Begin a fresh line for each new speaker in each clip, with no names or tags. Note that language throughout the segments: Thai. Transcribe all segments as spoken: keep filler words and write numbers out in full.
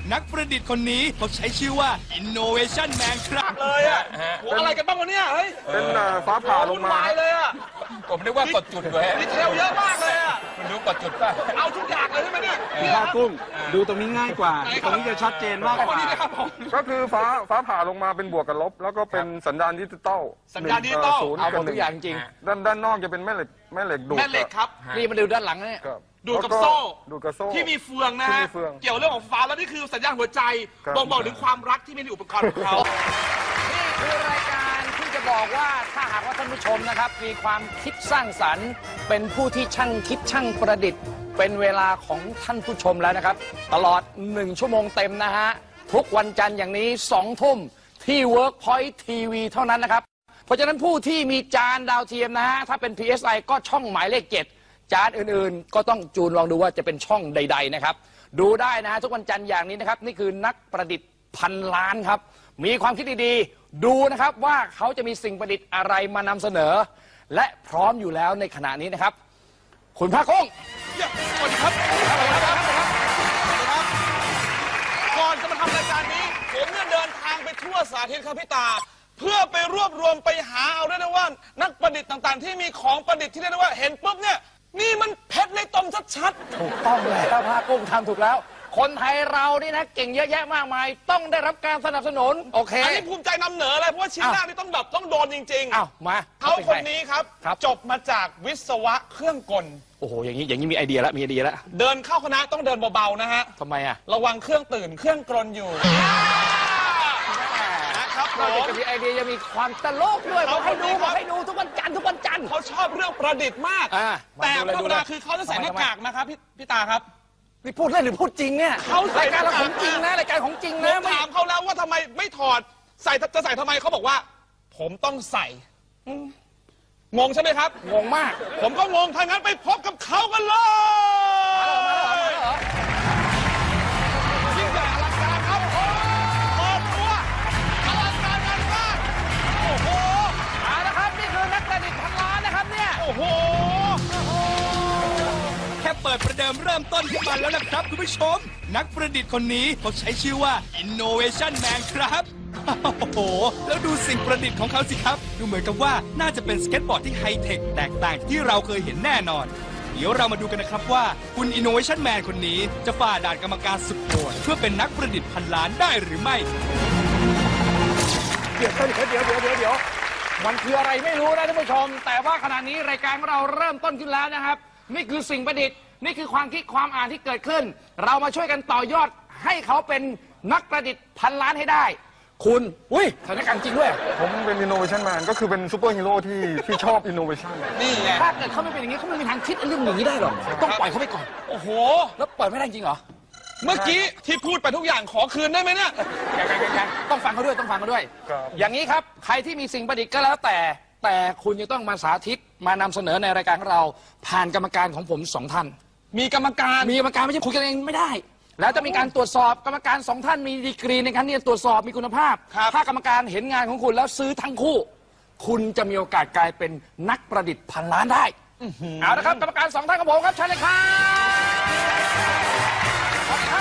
นักประดิษฐ์คนนี้เขาใช้ชื่อว่า Innovation Man ครับ
เลยอ่ะโหอะไรกันบ้างวะเนี่ยเฮ้ย
เป็นฟ้าผ่าลงมา
เลยอ่ะ
ผมนึกว่ากดจุดด้วย
ดีเทลเยอะมากเลยอ่ะ
มันรู้กดจุดป่ะ
เอาทุกอย่างเลยใช่ไหมเนี่ย
ผ้ากุ้งดูตรงนี้ง่ายกว่าตรงนี้จะชัดเจนมากกว่าก็คือฟ้าฟ้าผ่าลงมาเป็นบวกกับลบแล้วก็เป็นสัญญาณดิจิตอล
สัญญาณดิจิตอล
เอาหมดทุกอย่างจริง
ด้านด้านนอกจะเป็นแม่เหล็กแม่เหล็กดูด
แม่เหล็กครับ
นี่มาดูด้านหลังเนี่ย
ดูดกับโซ่
ดูดกับโซ่
ที่มีเฟืองนะฮะเกี่ยวเรื่องของฟ้าแล้วนี่คือสัญญาณหัวใจบ่งบอกถึงความรักที่มีในอุปกรณ์ของเขา
นี่คือรายการที่จะบอกว่าถ้าหากว่าท่านผู้ชมนะครับมีความคิดสร้างสรรค์เป็นผู้ที่ช่างคิดช่างประดิษฐ์เป็นเวลาของท่านผู้ชมแล้วนะครับตลอดหนึ่งชั่วโมงเต็มนะฮะทุกวันจันทร์อย่างนี้สองทุ่มที่ Workpoint ที วี เท่านั้นนะครับเพราะฉะนั้นผู้ที่มีจานดาวเทียมนะฮะถ้าเป็น พี เอส ไอ ก็ช่องหมายเลขเจ็ดจานอื่นๆก็ต้องจูนลองดูว่าจะเป็นช่องใดๆนะครับดูได้นะฮะทุกวันจันทร์อย่างนี้นะครับนี่คือนักประดิษฐ์พันล้านครับมีความคิดดีๆดูนะครับว่าเขาจะมีสิ่งประดิษฐ์อะไรมานำเสนอและพร้อมอยู่แล้วในขณะนี้นะครับคุณภาคกุ้ง
สวัสดีครับก่อนจะมาทำรายการนี้ผมเนี่ยเดินทางไปทั่วสาธิตครับพี่ตาเพื่อไปรวบรวมไปหาเอาได้นะว่านักประดิษฐ์ต่างๆที่มีของประดิษฐ์ที่เรียกว่าเห็นปุ๊บเนี่ยนี่มันเพชรในตมชัด
ๆถูกต้องแล้วภาคกุ้งทำถูกแล้วคนไทยเรานี่นะเก่งเยอะแยะมากมายต้องได้รับการสนับสนุนโอเค
อันนี้ภูมิใจนำเหนือเลยเพราะว่าชิ้นแรกนี่ต้องแบบต้องโดนจริงๆ
อ้าวมา
เขาคนนี้ครับจบมาจากวิศวะเครื่องกล
โอ้โหอย่างนี้อย่างนี้มีไอเดียแล้วมีไอเดียแล้ว
เดินเข้าคณะต้องเดินเบาๆนะฮะ
ทำไมอ่ะ
ระวังเครื่องตื่นเครื่องกลนอยู่
นะครับเราจะมีไอเดียยังมีความตลกด้วยเขาให้ดูเขาให้ดูทุกวันจันทร์ทุกวันจันทร์
เขาชอบเรื่องประดิษฐ์มากแต่ธรรมดาคือเขาจะใส่หน้ากากนะครับพี่พี่ตาครับ
นี่พูดเล่นหรือพูดจริงเนี่ย
เขา
รายการเราของจริงนะรายการของจริงนะ
ถามเขาแล้วว่าทำไมไม่ถอดใส่จะใส่ทำไมเขาบอกว่าผมต้องใส่งงใช่ไหมครับ
งงมาก
ผมก็งงถ้างั้นไปพบกับเขากันเลยยิ่งใหญ่อลังการครับโอ้เปิดตัวอลังการงานมากโอ้โห
เอาละครับนี่คือนักประดิษฐ์พันล้านนะครับเนี่ย
โอ้โห
แค่เปิดประเดิมเริ่มต้นขึ้นมาแล้วนะครับคุณผู้ชมนักประดิษฐ์คนนี้เขาใช้ชื่อว่า Innovation Man ครับโอ้โหแล้วดูสิ่งประดิษฐ์ของเขาสิครับดูเหมือนกับว่าน่าจะเป็นสเก็ตบอร์ดที่ไฮเทคแตกต่างจากที่เราเคยเห็นแน่นอนเดี๋ยวเรามาดูกันนะครับว่าคุณ Innovation Man คนนี้จะฝ่าด่านกรรมการสุดโหดเพื่อเป็นนักประดิษฐ์พันล้านได้หรือไม่
เดี๋ยวเดี๋ยวเดี๋ยวเดี๋ยวเดี๋ยวเดี๋ยวมันคืออะไรไม่รู้นะท่านผู้ชมแต่ว่าขณะนี้รายการของเราเริ่มต้นขึ้นแล้วนะครับนี่คือสิ่งประดิษฐ์นี่คือความคิดความอ่านที่เกิดขึ้นเรามาช่วยกันต่อยอดให้เขาเป็นนักประดิษฐ์พันล้านให้ได้คุณอุ้ยสถานการณ์จริงด้วย
ผมเป็น Innovation Man ก็คือเป็นซูเปอร์ฮีโร่ที่ที่ชอบ Innovation
นี่ไง
ถ้าเกิดเขาไม่เป็นอย่างนี้เขาไม่มีทางคิดเรื่องอย่างนี้ได้หรอกต้องปล่อยเขาไปก่อน
โอ้โห
แล้วปล่อยไม่ได้จริงเหรอ
เมื่อกี้ที่พูดไปทุกอย่างขอคืนได้ไหมเนี่ย
ยังๆๆต้องฟังเขาด้วยต้องฟังเขาด้วยอย่างนี้ครับใครที่มีสิ่งประดิษฐ์ก็แล้วแต่แต่คุณจะต้องมาสาธิตมานำเสนอในรายการของเราผ่านกรรมการของผมสองท่าน
มีกรรมการ
มีกรรมการไม่ใช่คุยกันเองไม่ได้แล้วจะมีการตรวจสอบกรรมการสองท่านมีดีกรีในการที่จะตรวจสอบมีคุณภาพถ้ากรรมการเห็นงานของคุณแล้วซื้อทั้งคู่คุณจะมีโอกาสกลายเป็นนักประดิษฐ์พันล้านได้เอาละครับกรรมการสองท่านของผมครับเชิญเลยครับเอาละ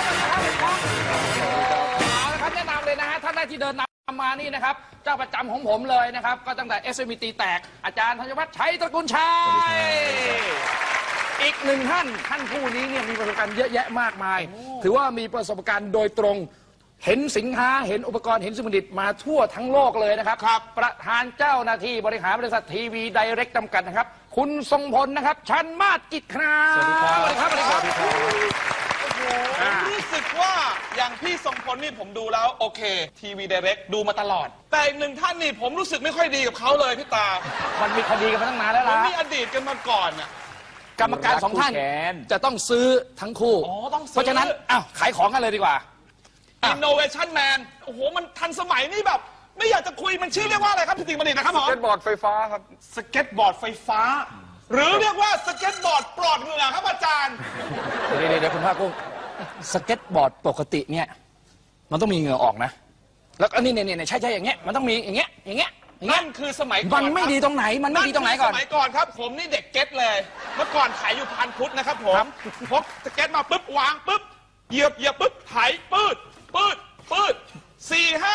ครับแนะนำเลยนะฮะท่านแรกที่เดินนำมานี่นะครับเจ้าประจำของผมเลยนะครับก็ตั้งแต่ เอส เอ็ม อี ตีแตกอาจารย์ธัญวัฒน์ชัยตระกูลชัยอีกหนึ่งท่านท่านผู้นี้เนี่ยมีประสบการณ์เยอะแยะมากมายถือว่ามีประสบการณ์โดยตรงเห็นสินค้าเห็นอุปกรณ์เห็นสิ่งประดิษฐ์มาทั่วทั้งโลกเลยนะครับประธานเจ้าหน้าที่บริหารบริษัททีวีไดเรกต์จำกัดนะครับคุณทรงพลนะครับชันมาศกิจครับสวัสดีครับสวัสดีครับสวัสดีครับ
ผมรู้สึกว่าอย่างพี่ทรงพลนี่ผมดูแล้วโอเคทีวีไดเรกต์ดูมาตลอดแต่อีกหนึ่งท่านนี่ผมรู้สึกไม่ค่อยดีกับเขาเลยพี่ตา
มันมีคดีกันมาตั้งนานแล้วล่ะ
มันมีอดีตกันมาก่อนอ่ะ
กรรมการสองท่านจะต้องซื้อทั้งคู่เพราะฉะนั้นอ้าวขายของกันเลยดีกว่า
Innovation Man โอ้โหมันทันสมัยนี่แบบไม่อยากจะคุยมันชื่อเรียกว่าอะไรครับพี่ติ๋งประดิษฐ์นะครับผม
สเก็ตบอร์ดไฟฟ้าครับ
สเก็ตบอร์ดไฟฟ้าหรือเรียกว่าสเก็ตบอร์ดปลอดเหงื่อครับอาจารย์
เดี๋ยวเดี๋ยวคุณภาคกุ้งสเก็ตบอร์ดปกติเนี่ยมันต้องมีเหงื่อออกนะแล้วอันนี้เนี่ยเนี่ยใช่ใช่อย่างเงี้ยมันต้องมีอย่างเงี้ยอย่างเงี้ย
นั่นคือสมัยก่อน
มันไม่ดีตรงไหนมันไม่ดีตรงไหนก่อน
สมัยก่อนครับผมนี่เด็กเก็ตเลยเมื่อก่อนขายอยู่พันพุทธนะครับผมพกสเก็ตมาปุ๊บวางปุ๊บเหยียบเหยียบปุ๊บไถปืด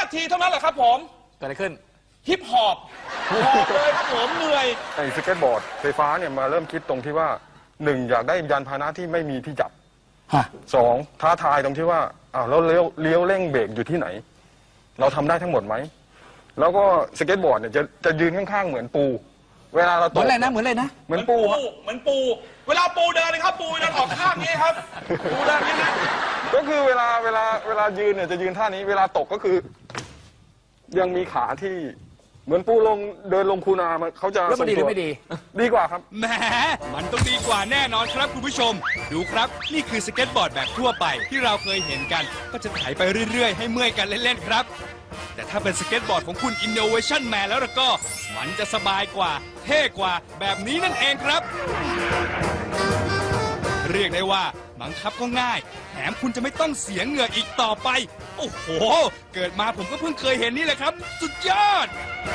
ทีเท่านั้นแหละครับผม
เกิดอะไรขึ้น
ฮิปฮอปหอบเลยครับผมเหนื่อย
ไอ้สเก็ตบอร์ดไฟฟ้าเนี่ยมาเริ่มคิดตรงที่ว่าหนึ่งอยากได้ยานพาหนะที่ไม่มีที่จับ
ฮะ
สองท้าทายตรงที่ว่าอ้าวแล้วเลี้ยวเลี้ยวเร่งเบรกอยู่ที่ไหน เราทำได้ทั้งหมดไหมแล้วก็สเก็ตบอร์ดเนี่ยจะจะยืนข้างๆเหมือนปู เวลาเรา
เห
ต
มือก นอะไรนะเหมือนอะไรนะ
เหมือนปูฮะ
เหมือนปู เวลาปูเดินเลยครับ ปูเดินออกข้างนี้ครับ ปูเดินอย่างนี้นะ
ก็คือเวลาเวลาเวลายืนเนี่ยจะยืนท่านี้ เวลาตกก็คือ ยังมีขาที่เหมือนปูลงเดินลงคูนามันเขาจะ
แล้วมันดีหรือไม่ดี
ดีกว่าครับ
แหมมันต้องดีกว่าแน่นอนครับคุณผู้ชม ดูครับ นี่คือสเก็ตบอร์ดแบบทั่วไปที่เราเคยเห็นกัน ก็จะไถไปเรื่อย ๆ ให้เมื่อยกันเล่น ๆ ครับ แต่ถ้าเป็นสเก็ตบอร์ดของคุณ Innovation Man แล้วล่ะก็ มันจะสบายกว่า เท่กว่าแบบนี้นั่นเองครับ เรียกได้ว่าบังคับก็ง่าย แถมคุณจะไม่ต้องเสียเหงื่ออีกต่อไป โอ้โห เกิดมาผมก็เพิ่งเคยเห็นนี่แหละครับ สุดยอด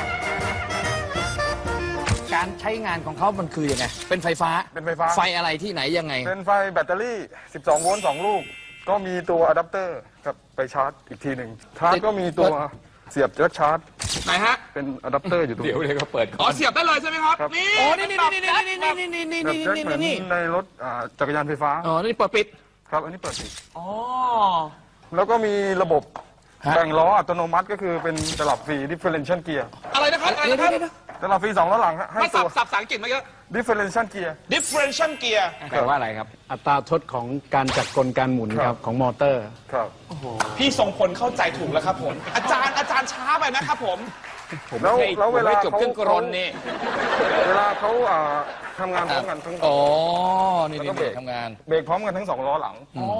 การใช้งานของเขามันคือยังไง เป็นไฟฟ้า
เป็นไฟฟ้า
ไฟอะไรที่ไหนยังไง
เป็นไฟแบตเตอรี่ สิบสอง โวลต์สองลูก ก็มีตัวอะแดปเตอร์ครับไปชาร์จอีกทีหนึ่งชาร์จก็มีตัวเสียบจักชาร์จ
ไหนฮะ
เป็นอะแดปเตอร์อยู่ตรง
เดี๋ยว
นี้
เดี๋ยวก็เปิด
อ๋อเสียบได้เลยใช่ไหมครับ
ครับ
นี่
อ๋อนี่นี่นี่นี่นี่นี่นี่นี่
แบบ
นี่
แจ็ค
นี่
เหมือน
นี่
ในรถอ่าจักรยานไฟฟ้า
อ๋อนี่เปิดปิด
ครับ อันนี้เปิดปิด
อ๋อ
แล้วก็มีระบบ
ฮะ
แบ่งล้ออัตโนมัติก็คือเป็นตลับฟรี differential gear
อะไรนะครับอะไร
เดี๋ยว
นะครับ
เดี๋ยวเดี๋ยว
ตลับฟรีสองล้อหลังฮะให้
มา
ตั
สับ
ว
สับภาษาอังกฤษมาเยอะ
differential gear
differential gear
แปลว่าอะไรครับ
อัตราทดของการจัดกลการหมุน
ค
ค
รั
รับ บของมอเตอร์
ครับ
พี่ทรงพลเข้าใจถูกแล้วครับผม อาจารย์อาจารย์ช้าไปนะครับผม
แล้วแล้วเวลา
ไม่จบ
เขา
เครื่องกรนนี่
เวลาเขาอ่าทำงานพร้อมกันทั้ง
อ๋อนี่
แล้วก็
นี่
เบรก
ทำงาน
เบรกพร้อมกันทั้งสองล้อหลัง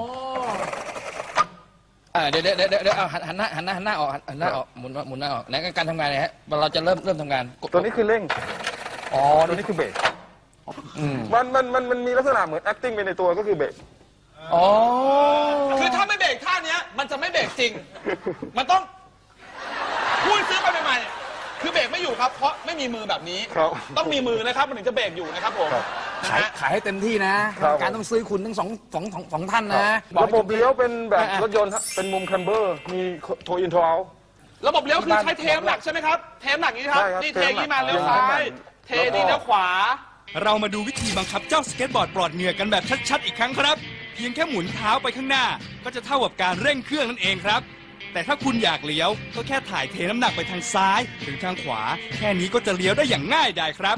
อ่าเดี๋ยวเดี๋ยวเดี๋ยวเดี๋ยวเอาหันหันหน้าหันหน้าหันหน้าออกหันหน้าออกหมุนหมุนหน้าออกไหนการทำงานเนี่ยฮะเราจะเริ่มเริ่มทำงานกด
ตัวนี้คือเร่ง
อ๋อ
ตัวนี้คือเบรก
อืม
มันมันมันมันมีลักษณะเหมือน acting ไปในตัวก็คือเบรก
อ๋อ
คือถ้าไม่เบรกท่าเนี้ยมันจะไม่เบรกจริง มันต้องพูดซื้อไปใหม่ๆคือเบรกไม่อยู่ครับ เพราะไม่มีมือแบบนี้
ครับ
ต้องมีมือนะครับมันถึงจะเบรกอยู่นะครับผม
ครับ
นะ
ขาย
ฮะ
ขายให้เต็มที่นะครับ การต้องซื้อคุณทั้งสองสองสองสองท่านนะอก
ระ
ให้
บบเลี้ยวเป็นแบบ
อ่ะ
รถยนต์ฮะเป็นมุมคัมเบอร์ มีโทอินทราว
ระบบเลี้ยวคือใช้เทมหลักใช่ไหมครับ เทมหลักนี้ครับ
ใช่ครับ
นี่เทนี้มา
เท
เลี้ยว
มหลัก
ซ้าย เท
แล้วก็
นี่เลี้ยวขวา
เรามาดูวิธีบังคับเจ้าสเก็ตบอร์ดปลอดเหงื่อกันแบบชัดๆอีกครั้งครับ เพียงแค่หมุนเท้าไปข้างหน้า ก็จะเท่ากับการเร่งเครื่องนั่นเองครับ แต่ถ้าคุณอยากเลี้ยวก็แค่ถ่ายเทน้ำหนักไปทางซ้ายหรือทางขวา แค่นี้ก็จะเลี้ยวได้อย่างง่ายดายครับ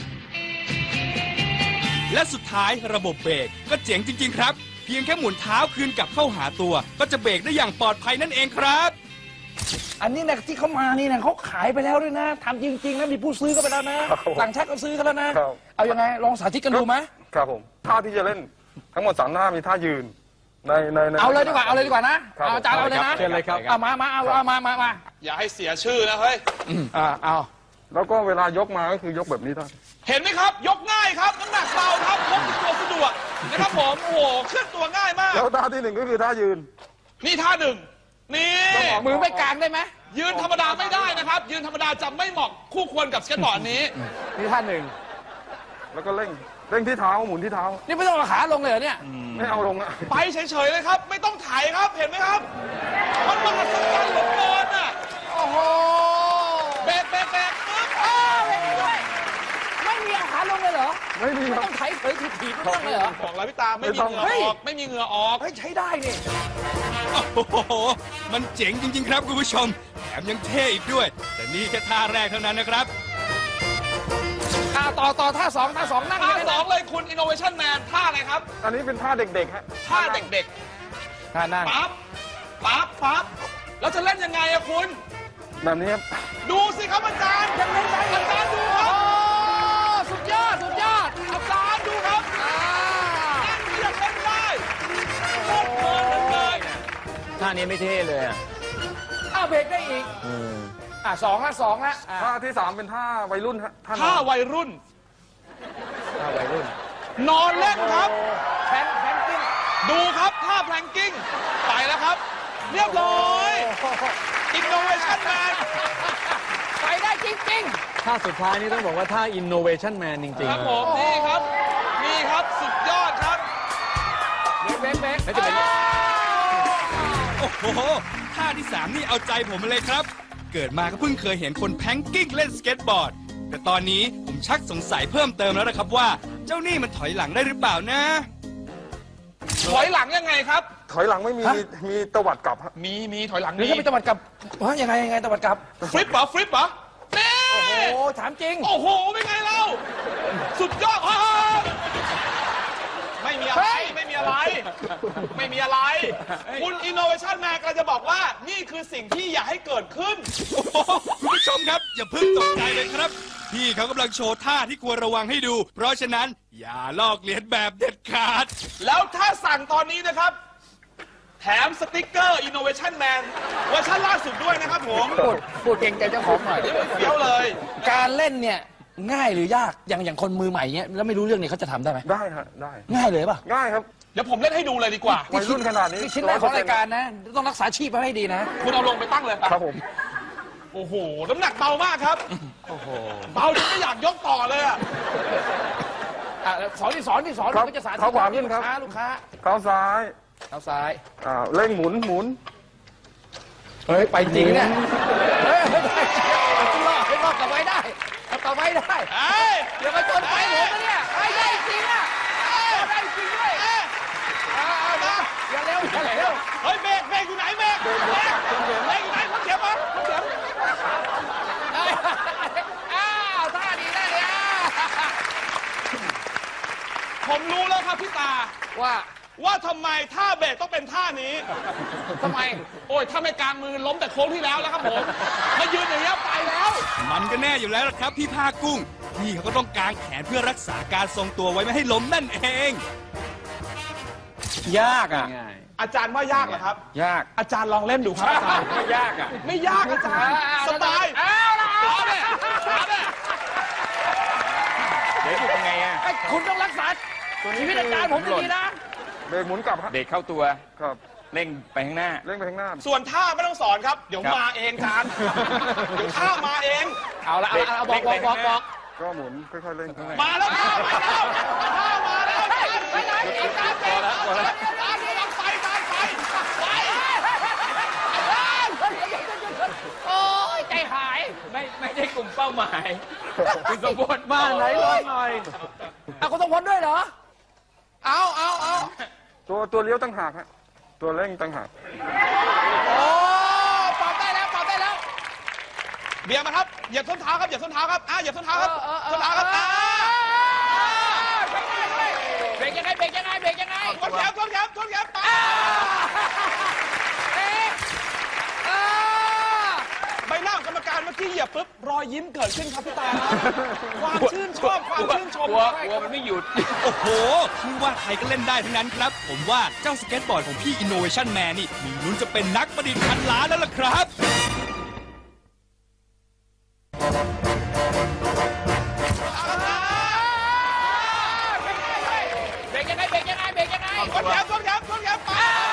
และสุดท้ายระบบเบรกก็เจ๋งจริง ๆ ครับ เพียงแค่หมุนเท้าคืนกลับเข้าหาตัว ก็จะเบรกได้อย่างปลอดภัยนั่นเองครับ
อันนี้นะที่เขามานี่นะเขาขายไปแล้วด้วยนะทำจริงๆนะมีผู้ซื้อก็ไปแล้วนะครับ
ผม
ต่างชาติก็ซื้อกันแล้วนะ
ครับ
เอายังไงลองสาธิตกันดูไหม
ครับผม ท่าที่จะเล่นทั้งหมดสามท่ามีท่ายืน ในในใน
เอาเลยดีกว่าเอาเลยดีกว่านะครับ เอาอาจารย์เอาเลยนะ
เชิญเลยครับ
เอามามาเอาเอามามามา
อย่าให้เสียชื่อนะเฮ้ย
อ่าเอา
แล้วก็เวลายกมาก็คือยกแบบนี้ท่าน
เห็นไหมครับ ยกง่ายครับน้ำหนักเบาครับพกติดตัวสะดวกนะครับผม โอ้โหเคลื่อนตัวง่ายมาก
แล้วท่าที่หนึ่งก็คือท่ายืน
นี่ท่าหนึ่งนี่
มือไม่กลางได้ไหม
ยืนธรรมดาไม่ได้นะครับ ยืนธรรมดาจะไม่เหมาะคู่ควรกับสเก็ตบอร์ดนี้
นี่ท่านหนึ่ง
แล้วก็เร่ง เร่งที่เท้าหมุนที่เท้า
นี่ไม่ต้องเอาขาลงเลยเหรอเนี่ย
ไม่เอาลงอะ
ไปเฉยๆเลยครับ ไม่ต้องถ่ายครับ เห็นไหมครับ มันมหัศจรรย์เหลือเกินอ่ะ
โอ้โห
เบรกเบรกเบรกปึ๊บ
อ้าวไม่มีด้วยไม่มีเอาขาลงเลยเหรอ
ไม่มี
ไม่
ครับ
ต้องไถเผยถีบถีบไม่ต้องเลยเหรอ
บอกแล้วพี่ตาไม่มีเหงื่อ
เฮ้ย
ออก ไม่มีเหงื่อออก
เฮ้ยใช้ได้นี่
โอ้โห มันเจ๋งจริง ๆ ครับคุณผู้ชม แถมยังเท่อีกด้วย แต่นี่แค่ท่าแรกเท่านั้นนะครับ
อ่าต่อต่อท่าสองท่าสองนั่ง
ท่า
เลย
ส
นะ
องเลยคุณ Innovation Man ท่าอะไรครับ
อันนี้เป็นท่าเด็กๆฮะ
ท่าเด็ก
ท่านั่ง
ๆ ปั๊บ ปั๊บ ปั๊บ แล้วจะเล่นยังไงอะคุณ
แบบนี้ครับ
ดูสิครับอาจารย์ยังเล่นได้อาจารย์ดูค
โอ้
รับ
สุดยอดสุดยอด
อาจารย์ดูครับ
อ่า
นั่นยังเล่นได้โคตรเพลินเลย
ท่านี้ไม่เท่เลยอ่ะ
อ้าวเบรกได้อีกอ่าสองละสองละอ่า
ท่าที่สามเป็นท่าวัยรุ่นฮะท่าน
ท่า
อน
วัยรุ่น
ท่าวัยรุ่น
นอนเล่นครับ
แพนแพนกิ้ง
ดูครับท่าแพลงกิ้ง ไปแล้วครับ เรียบร้อย Innovation Man
ไปได้จริง
ท่าสุดท้ายนี่ต้องบอกว่าท่า innovation man จริง
ครับ
ๆ
ผม นี่ครับ นี่ครับ สุดยอดครับ
ๆเบรกเบรก
แล้วจะเป็น
โอ้โห ท่าที่สามนี่เอาใจผมมาเลยครับเกิดมาก็เพิ่งเคยเห็นคนแพงกิ้งเล่นสเก็ตบอร์ด แต่ตอนนี้ผมชักสงสัยเพิ่มเติมแล้วนะครับว่า เจ้านี่มันถอยหลังได้หรือเปล่านะ
ถอยหลังยังไงครับ
ถอยหลังไม่มี
ฮะ
มีตวัดกลับฮะ
มีมีถอยหลัง
หรือ
มี
จะเป็นตะวัดกลับว่ายังไงยังไงตะวัดกลับ
ฟลิปเหรอฟลิปเหรอเน่
โอ้โหถามจริง
โอ้โหเป็นไงเราสุดยอดฮ่าไม่มีอะไรไม่มีอะไร ไม่มีอะไร คุณ Innovation Man กำลังจะบอกว่านี่คือสิ่งที่อยากให้เกิดขึ้น
โอ้โหคุณผู้ชมครับ อย่าเพิ่งตกใจเลยครับ พี่เขากำลังโชว์ท่าที่ควรระวังให้ดู เพราะฉะนั้นอย่าลอกเลียนแบบเด็ดขาด
แล้วถ้าสั่งตอนนี้นะครับ แถมสติกเกอร์ Innovation Man เวอร์ชันล่าสุดด้วยนะครับผม
พูดพูดเก่งใจเจ้าของหน่อย
เดี๋ยวเลย
การเล่นเนี่ยง่ายหรือยากอย่างอย่างคนมือใหม่เนี้ยแล้วไม่รู้เรื่องเนี่ยเขาจะทำได้ไหม
ได้ฮะได้
ง่ายเลยป่ะ
ง่ายครับ
เดี๋ยวผมเล่นให้ดูเลยดีกว่า
วัยรุ่นขนาดนี้
นี่ชิ้นแรกของรายการนะ ต้องรักษาชีพไว้ให้ดีนะ
คุณเอาลงไปตั้งเลย
ครับผม
โอ้โห น้ำหนักเบามากครับ
โอ้โห
เบาจนไม่อยากยกต่อเลยอะ
อ่ะสอนที่สอนที่สอน
ครับ
ก็จะสาธิต
เขาขวาขึ้นครับ
ลูกค้าลูกค้า
เท้าซ้าย
เอาซ้าย
อ่าเร่งหมุนหมุน
เฮ้ย ไปจริงเนี่ยเฮ้ยไม่ได้เอาตัวรอดให้รอดกลับไว้ได้เอากลับไว้ได้
เอ้ย
เดี๋ยวมาชนไฟผมนะเนี่ยไอ้ได้จริงอ่ะเอาได้จริงด้วยเอาเอานะอย่าเร็วอย่าเร็ว
เฮ้ยเบรกเบรกอยู่ไหนเบรกเบรกเบรกอยู่ไหนคนเขียวมาคนเขียว
อ้าวท่าดีได้เลยอ่ะ
ผมรู้แล้วครับพี่ตา
ว่า
ว่าทำไมท่าเบรกต้องเป็นท่านี้
ทำไม
โอ้ยถ้าไม่กลางมือล้มแต่โค้งที่แล้วแล้วครับผมมายืนอย่างนี้ยไปแล้ว
มันก็แน่อยู่แล้วล่ะครับพี่ภาคกุ้ง พี่เขาก็ต้องกางแขนเพื่อรักษาการทรงตัวไว้ไม่ให้ล้มนั่นเอง
ยากอ่ะ ง่าย
อาจารย์ว่ายากเหรอครับ
ยาก
อาจารย์ลองเล่นดูครับอาจารย์
ไม่ยากอ่ะ
ไม่ยากอาจารย์สบาย
เอาละ
เอาเนี่ยเอาเนี่ย
เดี๋ยวอยู่ยังไงอ่ะ
ไอ้คุณต้องรักษาชีวิตอาจารย์ผมดีๆนะ
เบรกหมุนกลับฮะ
เด็กเข้าตัว
ครับ
เร่งไปข้างหน้า
เร่งไปข้างหน้า
ส่วนท่าไม่ต้องสอนครับ เดี๋ยว
ครับ
มาเองอาจารย์เดี๋ยวท่ามาเอง
เอาละเอาละเอาบอกบอกบอกบอก
ก็หมุนค่อยๆเร่ง
มาแล้วท่ามาแล้วท่ามาแล้วอาจารย์
ไปไหนอาจารย์เจ็บ
อาจารย์อาจารย์ลองไปอาจารย์ไปไป
โอ้ยใจหาย
ไม่ไม่ใช่กลุ่มเป้าหมาย คุณสมบูรณ์บ้านไหนลองหน่อย
เอาคุณต้องพ้นด้วยเหรอ
เอาเอาเอา
ตัวตัวเลี้ยวตั้งหากฮะตัวเร่งตั้งหาก
โอ้ปรับได้แล้วปรับได้แล้วเบียร์มาครับเหยียบส้นเท้าครับเหยียบส้นเท้าครับอ่ะเหยียบส้นเท้าครับส้นเท้าครับอ่ะ
เบรกยังไงเบรกยังไงเบรกยังไง
ชนแขนชนแขนชนแขนไป
เอ๊ะเออ
ใบหน้าของกรรมการเมื่อกี้เหยียบปุ๊บรอยยิ้มเกิดขึ้นครับพี่ตาความชื่นชอบความชื่นชม
กลัวกลัวมันไม่หยุด
โอ้โหไม่ว่าใครก็เล่นได้ทั้งนั้นครับ ผมว่าเจ้าสเก็ตบอร์ดของพี่ Innovation Man นี่มีลุ้นจะเป็นนักประดิษฐ์พันล้านแล้วล่ะครับ
เบรกยังไงเบรกยังไงเบรกยังไง
ชนแขนชนแขนชนแขนไป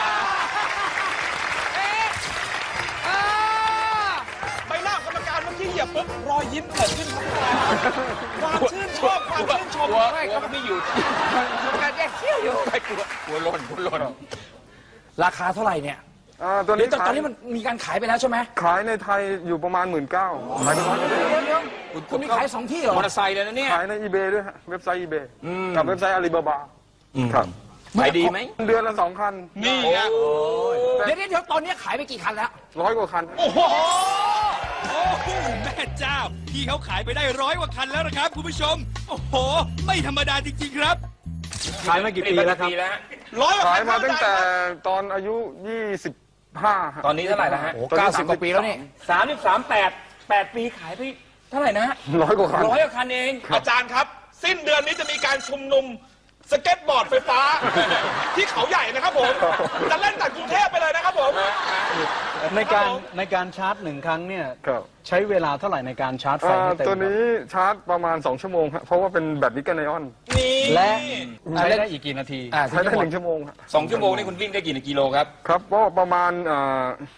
เอ๊ะเออ
ใบหน้าของกรรมการเมื่อกี้เหยียบปุ๊บรอยยิ้มเกิดขึ้นครับพี่ตาความชื่นชอบความชื่นชม
กลัวกลัวมันไม่หยุด
การแยกเขี้ยวอยู่
ไม่กลัวกลัวหล่นกลัวหล่น
ราคาเท่าไหร่เนี่ย
อ่าตัว
หรือ
นี้
ตอนต
ขา
อย นนี้มันมีการขายไปแล้วใช่ไหม
ขายในไทยอยู่ประมาณหมื่นเก้าขายในร้อย
เดี๋ยวเดี๋ยวคุณมีขายสองที่เหรอ
มอเตอร์ไซค์เลยนะเนี่ย
ขายในอีเบด้วยฮะเว็บไซต์อีเบกับเว็บไซต์อาลีบาบาครับ
ขายดีไหม
เดือนละสองคัน
นี่ไง
เดี๋ยวเดี๋ยวตอนนี้ขายไปกี่คันแล้ว
ร้อยกว่าคัน
โอ้โห
โอ้โหแม่เจ้า พี่เขาขายไปได้ร้อยกว่าคันแล้วนะครับคุณผู้ชม โอ้โห ไม่ธรรมดาจริงๆครับ
ขายมากี่ปีแล้วครับ
ร้อยกว่า
ขาย
คัน
มาตั้งแต่
ครับ
ตอนอายุยี่สิบห้า
ตอนนี้เท่าไหร่แล้วฮะ
โอ้เก้าสิบกว่าปีแล้วนี่
สามสิบสามแปดแปดปีขายไปเท่าไหร่นะ
ร้อยกว่าคัน
ร้อยกว่าคันเอง
อาจารย์ครับ สิ้นเดือนนี้จะมีการชุมนุมสเก็ตบอร์ดไฟฟ้า ที่เขาใหญ่นะครับผม จะเล่นจากกรุงเทพไปเลยนะครับผม
ในการ
ครับผม
ในการชาร์จหนึ่งครั้งเนี่ย
ครับ
ใช้เวลาเท่าไหร่ในการชาร์จไฟ
อ่า
ให้เต็ม
ตัวนี้ชาร์จประมาณสองชั่วโมงฮะเพราะว่าเป็นแบตนิกเกิลไอออน
นี่
และใช้ได้อีกกี่นาที
อ่า
ใช้ได้หนึ่งชั่วโมงฮะ
สองชั่วโมงนี่คุณวิ่งได้กี่กิโลครับ
ครับก็ประมาณอ่า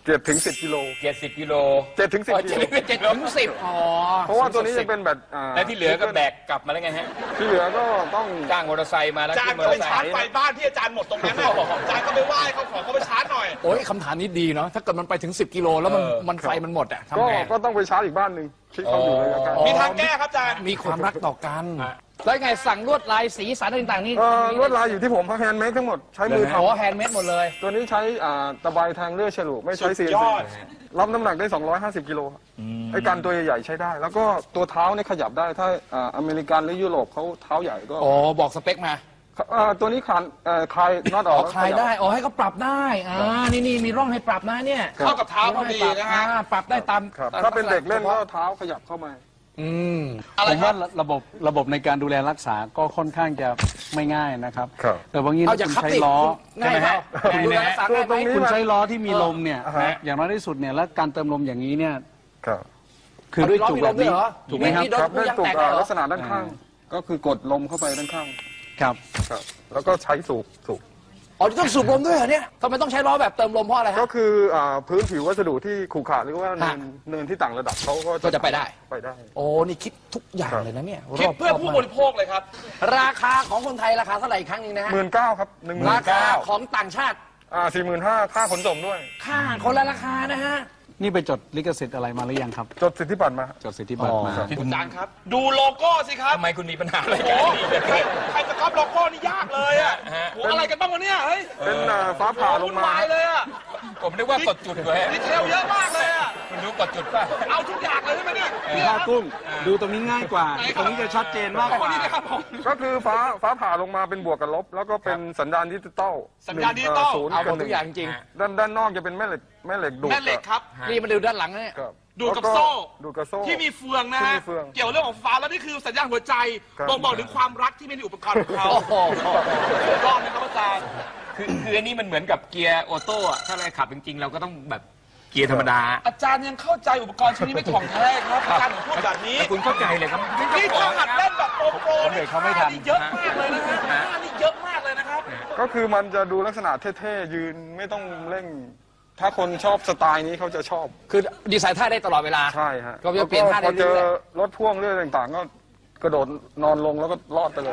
เจ็ดถึงสิบกิโล
เจ็ดสิบกิโล
เจ็ดถึงสิบ
อ๋อ
กิโล
เจ็ดถึงสิบอ๋อ
เพราะว่าตัวนี้จะเป็นแบบอ่า
แล้วที่เหลือก็แบกกลับมาแล้วไงฮะ
ที่เหลือก็ต้อง
จ้างมอเตอร์ไซค์มาแล้ว
อาจาร
ขึ้
ย์
นมอ
ก็
เตอร์ไซค์
ไปชาร์จไฟบ้านที่อาจารย์หมดตรงนั้นน่ะอาจารย์ก็ไปไหว้เขาขอเขาไปชาร์จหน่อย
โอ้ยคำถามนี้ดีเนาะถ้าเกิดมันไปถึงสิบกิโลแล้วมันมันไฟมันหมดอะทำ
ก็
ไง
ก็ต้องไปชาร์จอีกบ้านหนึ่งที่เขาอยู่ระยะใกล้
มีทางแก้ครับอาจารย์
มีความรักต่อกัน แล้วไงสั่งลวดลายสีสันต่างๆนี่
เอ่อลวดลายอยู่ที่ผมแฮนด์เมดทั้งหมดใช้มือท
โอ้แฮนด์เมดหมดเลย
ำตัวนี้ใช้อ่าตะไบแทงเลื่อยฉลุไม่ใช้
สุ
ซี
ด
เอ็น
ย
ซี
อด
รับน้ำหนักได้สองร้อยห้าสิบกิโลครับไอ้การตัวใหญ่ๆใช้ได้ แล้วก็ตัวเท้าเนี่ยขยับได้ถ้าอ่าอเมริกันหรือยุโรปเขาเท้าใหญ่ก็
อ๋อบอกสเปคมา
อ่าตัวนี้คลานเอ่อคลายน็อตอ
อ๋
อ
อก คลายได้อ๋อให้เขาปรับได้อ่านี่นี่มีร่องให้ปรับนะเนี่ย
เข้ากับเท้าพอดีนะฮะ
อ่าปรับได้ตาม
ครับ
ตม
ถ้าเป็นเด็กเล่นก็
ฉพาะ
เท้าขยับเข้ามา
อืม
อะไร
ผม
ครั
ว่า
บ
ระบบระบบในการดูแลรักษาก็ค่อนข้างจะไม่ง่ายนะครับ
ครับ
แต่บางที
เอา
ถ้า
จาก
คุณ
คับ
ใช้
ติ
ล้อ
ง่ายไหม
ใช่ไหม
ดูแลรักษาง่ายไหม
ตรงนี้
คุณใช้ล้อที่มีลมเนี่ย
อ่าฮะ
อย่างน้อยที่สุดเนี่ยแล้วการเติมลมอย่างนี้เนี่ย
ครับ
คือด้วยจุกแบบนี้
เอาล้อมีลมด้วยเหรอ
ถูกไหมครับ
มีโดน
ครับ
ผู้
ด้วย
ยัง
ตุก
แตก
อ่า
เหรอ
ลักษณะด้านข้าง ก็คือกดลมเข้าไปด้านข้าง
ครับ
ครับ แล้วก็ใช้สูบสูบ
อ๋อต้องสูบลมด้วยเหรอเนี่ยทำไมต้องใช้ล้อแบบเติมลมเพราะอะไร
ก็
ฮะ
คืออ่าพื้นผิววัสดุที่ขรุขระหรือว่าเนิน
ฮะ
เนินที่ต่างระดับเขาก็
ก็จะไปได้
ไปได้
โอ้นี่คิดทุกอย่างเลยนะเนี่ย
คิด
รบ
เพื่อ
รบ
ผู้
มาก
บริโภคเลยครับ
ราคาของคนไทยราคาเท่าไหร่อีกครั้งหนึงนะฮะ
หมื่นเก้าครับหนึ่งหมื่
ราน คา
เก้า
ของต่างชาติ
อ่าสี่หมื่นห้าค่าขนส่งด้วย
ค่าคนละราคานะฮะ
นี่ไปจดลิขสิทธิ์อะไรมาหรือยังครับ
จดสิทธิบัตรมา
จดสิทธิบัตรมา
อ๋อ
คุณอาจารย์ครับ ดูโลโก้สิครับ
ทำไมคุณมีปัญหาอะไร
โอ้
กัน
โหใครใครจะก๊อปโลโก้นี่ยากเลยอ่ะโหอะไรกันบ้างวะเนี่ยเฮ้ย
เป็นอ่าฟ้าผ่าลง
วุ่น
มา
วายเลยอ่ะ
ผมนึกว่ากดจุดไว้
ดีเทลเยอะมากเลยอ่ะ
คุณรู้กดจุดป่ะ
เอาทุกอย่างเลยใช่ไหมเนี่ยเนี่ย
ผ้า
ครับ
กุ้ง ดูตรงนี้ง่ายกว่า ตรงนี้จะชัดเจนมากกว่า
นี่นะครับผม
ก็คือฟ้าฟ้าผ่าลงมาเป็นบวกกับลบ แล้วก็เป็นสัญญาณดิจิตอล
สัญญาณดิจิตอล
ศูนย์
เอาหม
กับ
ด
ห
ทุ
นึ่
ก
ง
อย่างจริง
ด้านด้านนอกจะเป็นแม่เหล็กแม่เหล็กดูด
แม่เหล็กครับ
นี่มาดูด้านหลังนะเนี่ย
ครับ
ดูดกับ
แล้ว
โซ่
ดูดกับโซ่
ที่มีเฟืองนะ
ที่
ฮะ
มีเฟือง
เกี่ยวเรื่องของฟ้าแล้วนี่คือสัญญาณหัวใจ
ครับ
บ่งบอกถึงความรักที่มีในอุปกรณ์ของเขา
โอ้โห
สุดยอดนะครับอาจารย์
คือคืออันนี้มันเหมือนกับเกียร์ออโต้อะถ้าเราขับจริงๆ เราก็ต้องแบบเกียร์ธรรมดา
อาจารย์ยังเข้าใจอุปกรณ์ชิ้นนี้ไม่ถ่องแท้ครับอาจารย์ถึงพูดแบบนี้
แต่คุณเข้าใจเลยครับ
นี่ถ้าหัดเล่นแบบโปรโปร
ผมเบรกเขาไม่ทัน
นี่เยอะมากเลยนะฮะท่านี่เยอะมากเลยนะครับ
ก็คือมันจะดูลักษณะเท่ๆยืนไม่ต้องเร่ง ถ้าคนชอบสไตล์นี้เขาจะชอบ
คือดีไซน์ท่าได้ตลอดเวลา
ใช่ฮะ
ก็จะเปลี่ยนท่าได้
พอเจอ
เรื่อย
รถพ่วงเรื่องต่างๆ ก็กระโดดนอนลงแล้วก็รอดไปเลย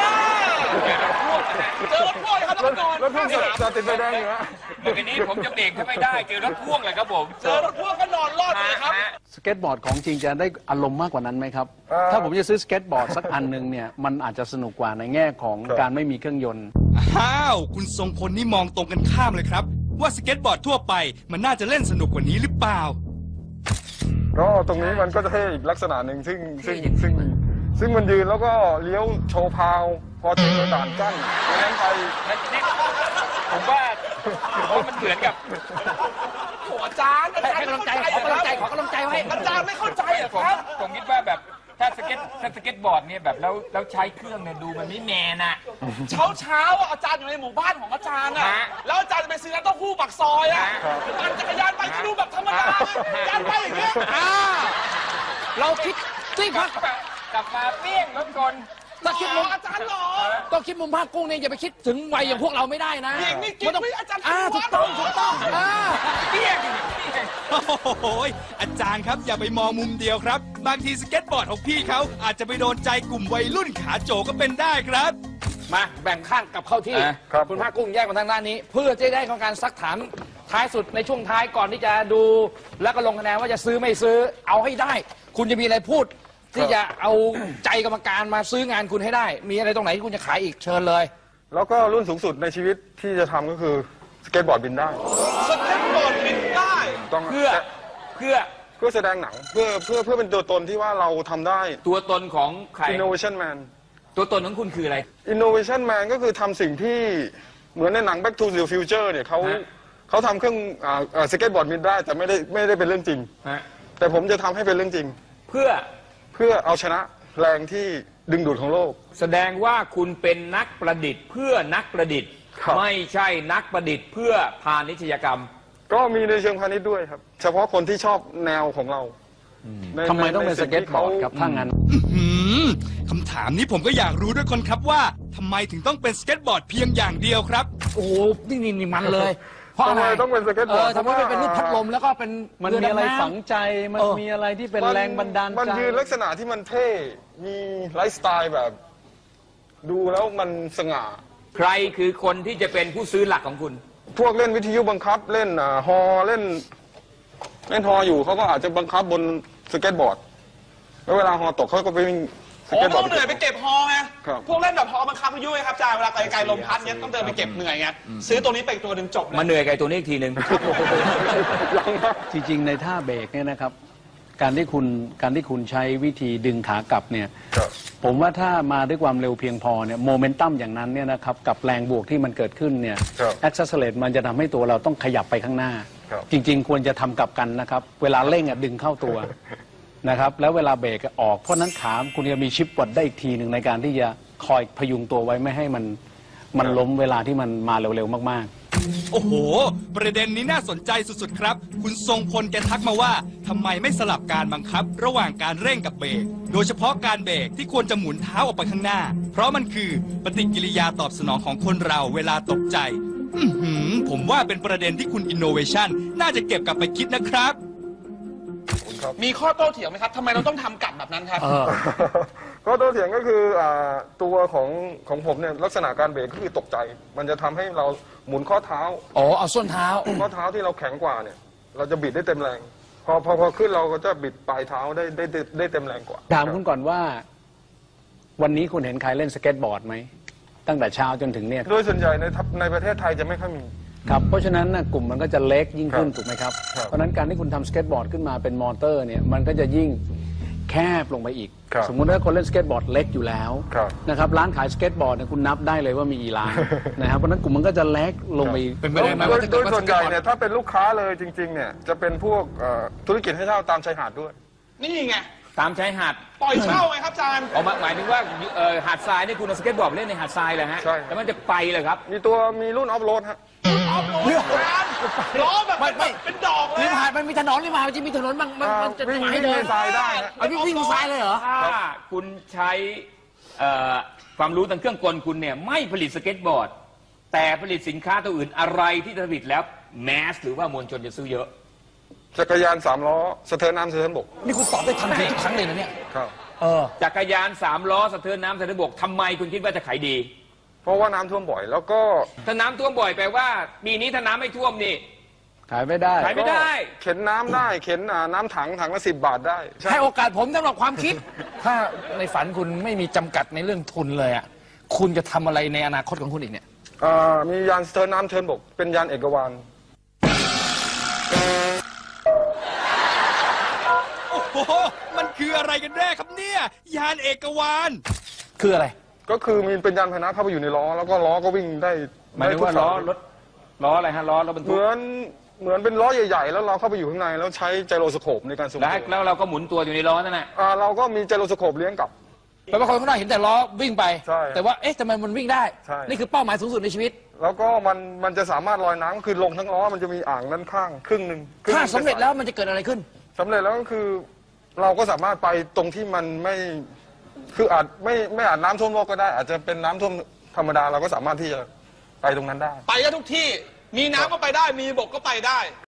เจอรถพ่วงครับแล้วก็นอน
รถพ่วงจะติดไฟแดงอยู่ฮะ
เดี๋ยวนี้ผมจะเบรกถ้าไม่ได้เจอรถพ่วงเลยครับผม
เจอรถพ่วงก็นอนรอดเลยครับ
สเก็ตบอร์ดของจริงจะได้อารมณ์มากกว่านั้นไหมครับ
เอ่อ
ถ้าผมจะซื้อสเก็ตบอร์ดสักอันหนึ่งเนี่ย มันอาจจะสนุกกว่าในแง่ของ
ครับ
การไม่มีเครื่องยนต์
อ้าว คุณทรงพลนี่มองตรงกันข้ามเลยครับ ว่าสเก็ตบอร์ดทั่วไปมันน่าจะเล่นสนุกกว่านี้หรือเปล่า
ก็ตรงนี้มันก็จะเท่อีกลักษณะหนึ่งซึ่งซึ่งซึ่งซึ่งมันยืนแล้วก็เลี้ยวโชว์พาว พอเจอด่านกั้นดังนั้นไป
ผมว่าผมว่ามันเหมือนกับ
โอ้อาจารย์อา
ให้
จาร
ให้
ย์
กำลังใจขอกำลังใจขอกำลังใจไว้
อาจารย์ไม่เข้าใจเหรอ
ผม
ครับ
ผมคิดว่าแบบถ้าสเก็ตถ้าสเก็ตบอร์ดเนี่ยแบบแล้วแล้วใช้เครื่องเนี่ยดูมันไม่แมนอะ
เช้าเช้าๆอ่ะอาจารย์อยู่ในหมู่บ้านของอาจารย์อ่ะ
ฮะ
แล้วอาจารย์จะไปซื้อน้ำเต้าหู้ปักซอยอ่ะปั่นจักรยานไปก็ดูแบบธรรมดาอาจารย์ไปอย่างเงี้ย
อ่าเราคิดที่พัก
กลับมาเปี้ยงรถกล
ถ้าคิดมุม
อาจารย์หรอ
ต้องคิดมุมภาคกุ้งเนี่ยอย่าไปคิดถึงวัยอย่างพวกเราไม่ได้นะ
หญิงนี่กิน
มันต้อง
ไม่อาจารย์
อ่า
คิ
ถู
ด
ก
ว่า
ต้องถูกต้องอ่า
เปี้ยง
โอ้โหอาจารย์ครับอย่าไปมองมุมเดียวครับ บางทีสเก็ตบอร์ดของพี่เขาอาจจะไปโดนใจกลุ่มวัยรุ่นขาโจก็เป็นได้ครับ
มาแบ่งข้างกลับเข้าที่
อ่ะ
ครับ
คุณภาคกุ้งแยกมาทางด้านนี้ เพื่อจะได้ของการซักถามท้ายสุดในช่วงท้ายก่อนที่จะดูแล้วก็ลงคะแนนว่าจะซื้อไม่ซื้อเอาให้ได้ คุณจะมีอะไรพูด ที่จะเอาใจกรรมการมาซื้องานคุณให้ได้ มีอะไรตรงไหนที่คุณจะขายอีกเชิญเลย
แล้วก็รุ่นสูงสุดในชีวิตที่จะทำก็คือสเก็ตบอร์ดบินได้
สเก็ตบอร์ดบินได้
ต้อง
เพื่อเพื่อ
เพื่อแสดงหนังเพื่อเพื่อเพื่อเป็นตัวตนที่ว่าเราทำได้
ตัวตนของใคร
innovation man
ตัวตนของคุณคืออะไร
innovation man ก็คือทำสิ่งที่เหมือนในหนัง back to the future เนี่ยเขา
ฮะ
เขาทำเครื่องอ่าอ่าสเก็ตบอร์ดบินได้แต่ไม่ได้ไม่ได้เป็นเรื่องจริง
ฮะ
แต่ผมจะทำให้เป็นเรื่องจริง
เพื่อ
เพื่อเอาชนะแรงที่ดึงดูดของโลก
แสดงว่าคุณเป็นนักประดิษฐ์ เพื่อนักประดิษฐ์
ครับ
ไม่ใช่นักประดิษฐ์ เพื่อพาณิชยกรรม
ก็มีในเชิงพาณิชย์ด้วยครับ เฉพาะคนที่ชอบแนวของเราใน
ทำไมต้องเป็น
ใน
ส
สิ่
เก็ต
ที่
บอ
ขา
ร์ดครับถ้างั้น
หืมคำถามนี้ผมก็อยากรู้ด้วยคนครับว่าทำไมถึงต้องเป็นสเก็ตบอร์ดเพียงอย่างเดียวครับ
โอ้โหนี่นี่นี่มันเลยเพราะอะไร
ทำไมต้องเป็นสเก็ตบอร์ด
เออทำไมไม่เป็นรูปพัดลมแล้วก็เป็น
มัน
เรือ
มีอะไร
ดำน้ำ
ฝังใจ มัน
เออ
มีอะไรที่เป็น
มั
แรงบันดาลใจ
มันยืนลักษณะที่มันเท่ มีไลฟ์สไตล์แบบ ดูแล้วมันสง่า
ใครคือคนที่จะเป็นผู้ซื้อหลักของคุณ
พวกเล่นวิทยุบังคับเล่นอ่าฮอเล่น เล่นฮออยู่เขาก็อาจจะบังคับบนสเก็ตบอร์ด แล้วเวลาฮอตกเขาก็ไปวิ่งส
โอ้
เก็ตบอ
ต้
ร์
อ
ด
งเหนื่อยไปเก็บฮอไง
ครับ
พวกเล่นแบบฮอบังคับพายุไงครับอาจารย์เวลาไกลๆลมพัดเนี้ยต้องเดินไปเก็บเหนื่อยไงซื้อตัวนี้ไปอีกตัวหนึ่งจบเลย
มาเหนื่อยกับไอ้ตัวนี้อีกทีหนึ่ง
ยังครับ
จริงๆ ในท่าเบรกเนี่ยนะครับ การที่คุณการที่คุณใช้วิธีดึงขากลับเนี่ย
ครับ
ผมว่าถ้ามาด้วยความเร็วเพียงพอเนี่ยโมเมนตัมอย่างนั้นเนี่ยนะครับกับแรงบวกที่มันเกิดขึ้นเนี่ย
ครับ
แอคซัสเลตมันจะทำให้ตัวเราต้องขยับไปข้างหน้า
ครับ
จริง ๆ ควรจะทำกลับกันนะครับ เวลาเร่งอ่ะดึงเข้าตัว นะครับแล้วเวลาเบรกออกเพราะนั้นขาคุณจะมีชิปวัดได้อีกทีหนึ่งในการที่จะคอยพยุงตัวไว้ไม่ให้มันมันล้มเวลาที่มันมาเร็วๆมากๆ
โอ้โห ประเด็นนี้น่าสนใจสุดๆครับ คุณทรงพลแกทักมาว่าทำไมไม่สลับการบังคับ ระหว่างการเร่งกับเบรก โดยเฉพาะการเบรกที่ควรจะหมุนเท้าออกไปข้างหน้า เพราะมันคือปฏิกิริยาตอบสนองของคนเราเวลาตกใจ อือหือ ผมว่าเป็นประเด็นที่คุณ Innovation น่าจะเก็บกลับไปคิดนะครับ
มีข้อโต้เถียงไหมครับทำไมเราต้องทำกลับแบบนั้นครับ
ก็ตัวเถียงก็คืออ่าตัวของของผมเนี่ยลักษณะการเบรกก็คือตกใจ มันจะทำให้เราหมุนข้อเท้า
อ๋อเอาส้นเท้า
ข้อเท้าที่เราแข็งกว่าเนี่ย เราจะบิดได้เต็มแรง พอพอพอขึ้นเราก็จะบิดปลายเท้าได้ได้ได้ได้เต็มแรงกว่า
ถามคุณก่อนว่า วันนี้คุณเห็นใครเล่นสเก็ตบอร์ดไหมตั้งแต่เช้าจนถึงเนี่ย
โดยส่วนใหญ่ในทัพในประเทศไทยจะไม่ค่อยมี
ครับเพราะฉะนั้นนะกลุ่มมันก็จะเล็กยิ่งขึ้น
ครับ
ถูกไหมครับ
ครับ
เพราะฉะนั้นการที่คุณทำสเก็ตบอร์ดขึ้นมาเป็นมอเตอร์เนี่ยมันก็จะยิ่งแคบลงไปอีก
ครับ
สมมุติว่าคนเล่นสเก็ตบอร์ดเล็กอยู่แล้ว
ครับ
นะครับร้านขายสเก็ตบอร์ดเนี่ยคุณนับได้เลยว่ามีกี่ร้าน นะครับเพราะฉะนั้นกลุ่มมันก็จะเล็กลงไปอีก
เป็นไปได้ไหม
โด
ว่าย ถ้า
โด
เกิด
ย
ว่า
ส่วนใหญ่
สเก็ตบอร์ด
เนี่ยถ้าเป็นลูกค้าเลยจริงๆเนี่ยจะเป็นพวกเอ่อธุรกิจให้เช่าตามชายหาดด้วย
นี่ไง
ตามชายหาด
ปล่อยเช่าไงครับอาจารย์
ออกมาหมายถึงว่าเอ่อหาดทรายนี่คุณเอาสเก็ตบอร์ดไปเล่นในหาดทรายเลยฮะ
ใช่ครับ
แล้วมันจะไปเลยครับ
มีตัวมีรุ่นออฟโรดฮะ
ออฟโรดอาจารย์ล้อแบบ
ไม่ไม่
เป็นดอกเลย
ริม
อะ
หาดมันมีถนนริมหาดมันจะมีถนนบางมันมันจะ
วิ่ง
ให้
วิ่ง
เดิ
ใน
น
ทรายได้ฮะ
เอาวิ่งวิ่งทรายเลยเหรอ
ถ้าคุณใช้เอ่อความรู้ทางเครื่องกลคุณเนี่ยไม่ผลิตสเก็ตบอร์ด แต่ผลิตสินค้าตัวอื่นอะไรที่ผลิตแล้วแมสหรือว่ามวลชนจะซื้อเยอะ
จักรยานสามล้อสะเทินน้ำสะเทินบก
นี่คุณตอบได้ทันทีทุกครั้งเลยนะเนี่ย
ครับ
เออ
จักรยานสามล้อสะเทินน้ำสะเทินบกทำไมคุณคิดว่าจะขายดี
เพราะว่าน้ำท่วมบ่อย แล้วก็
ถ้าน้ำท่วมบ่อยแปลว่าปีนี้ถ้าน้ำไม่ท่วมนี่
ขายไม่ได้
ขายไม่ได้
เข็นน้ำได้เข็นอ่าน้ำถังถังละสิบบาทได้ใช่
ให้โอกาสผมสำหรับความคิด ถ้าในฝันคุณไม่มีจำกัดในเรื่องทุนเลยอ่ะคุณจะทำอะไรในอนาคตของคุณอีกเนี่ย
อ่ามียานสะเทินน้ำสะเทินบก เป็นยานเอกวาน
โอ้โห มันคืออะไรกันแน่ครับเนี่ย ยานเอกวาน
คืออะไร
ก็คือมีเป็นยานพาหนะเข้าไปอยู่ในล้อ แล้วก็ล้อก็วิ่งได้
หมายถึงว่า
ได้ทุก
ล้อ
สย
รถล้ออะไรฮะล้อรถบรร
เห
ทุก
มือนเหมือนเป็นล้อใหญ่ๆ แล้วเราเข้าไปอยู่ข้างในแล้วใช้ไจโรสโคปในการทรง
แล้ว
ตัว
แล้วเราก็หมุนตัวอยู่ในล้อนั่นแหละ
อ่าเราก็มีไจโรสโคปเลี้ยงกลับ
แปลว่าคนข้างนอกเห็นแต่ล้อวิ่งไป
ใช่
แต่ว่าเอ๊ะทำไมมันวิ่งได้
ใช่
นี่คือเป้าหมายสูงสุดในชีวิต
แล้วก็มันมันจะสามารถลอยน้ำคือลงทั้งล้อมันจะมีอ่างด้านข้างครึ่งหนึ่งคงห
ถ้า
นึ่ง
สำเร็จแล้วมันจะเกิดอะไรขึ้น
สำเร็จแล้วก็คือ เราก็สามารถไปตรงที่มันไม่คืออาจไม่ไม่อาจน้ำท่วมโลกก็ได้ อาจจะเป็นน้ำท่วมธรรมดาเราก็สามารถที่จะไปตรงนั้นได้
ไปได้ทุกที่ มีน้ำก็ไปได้ มีบกก็ไปได้